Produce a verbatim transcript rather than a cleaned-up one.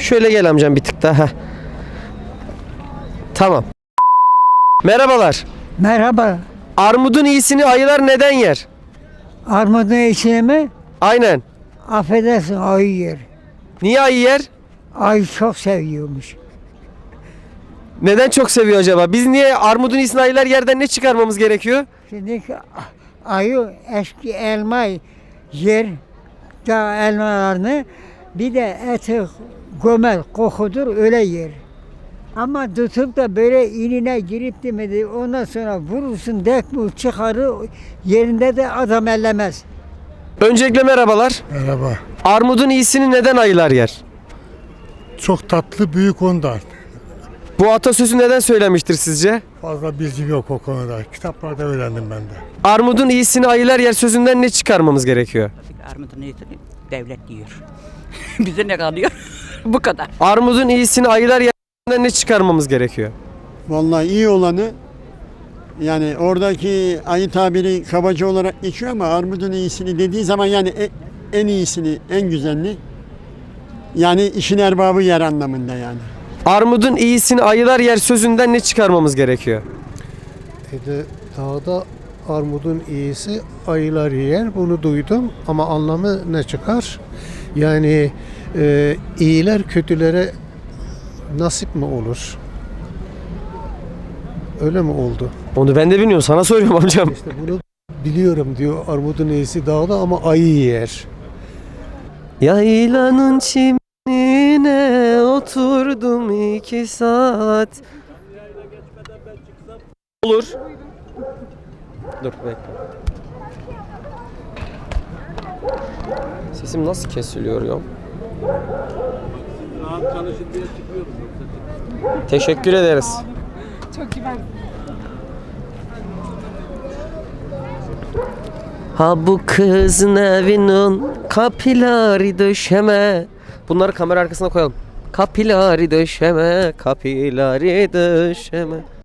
Şöyle gel amcam bir tık daha. Heh. Tamam. Merhabalar. Merhaba. Armudun iyisini ayılar neden yer? Armudun içine mi? Aynen. Affedersin, ayı yer. Niye ayı yer? Ayı çok seviyormuş. Neden çok seviyor acaba? Biz niye armudun iyisini ayılar yerden ne çıkarmamız gerekiyor? Şimdi ayı eski elma yer, da elmalarını, bir de eti gömel, kokudur, öyle yer. Ama tutup da böyle inine girip demedi, ondan sonra vurursun, dekmu çıkarır, yerinde de adam ellemez. Öncelikle merhabalar. Merhaba. Armudun iyisini neden ayılar yer? Çok tatlı, büyük ondan. Bu atasözü neden söylemiştir sizce? Fazla bilgim yok o konuda. Kitaplarda öğrendim ben de. Armudun iyisini ayılar yer sözünden ne çıkarmamız gerekiyor? Armudun iyisini devlet yiyor. Bize ne kalıyor? Bu kadar. Armudun iyisini ayılar yer sözünden ne çıkarmamız gerekiyor? Vallahi iyi olanı, yani oradaki ayı tabiri kabaca olarak geçiyor ama armudun iyisini dediği zaman yani e- en iyisini, en güzelini, yani işin erbabı yer anlamında yani. Armudun iyisini ayılar yer sözünden ne çıkarmamız gerekiyor? Dedi, dağda armudun iyisi ayılar yer. Bunu duydum ama anlamı ne çıkar? Yani e, iyiler kötülere nasip mi olur? Öyle mi oldu? Onu ben de bilmiyorum. Sana soruyorum amcam. İşte bunu biliyorum diyor, armudun iyisi dağda ama ayı yer. Yaylanın çimine oturdum iki saat. Olur. Dur bekle. Sesim nasıl kesiliyor ya? Teşekkür ederiz. Çok güzel. Ha bu kızın evinin kapilari döşeme. Bunları kamera arkasına koyalım. Kapilari döşeme, kapilari döşeme.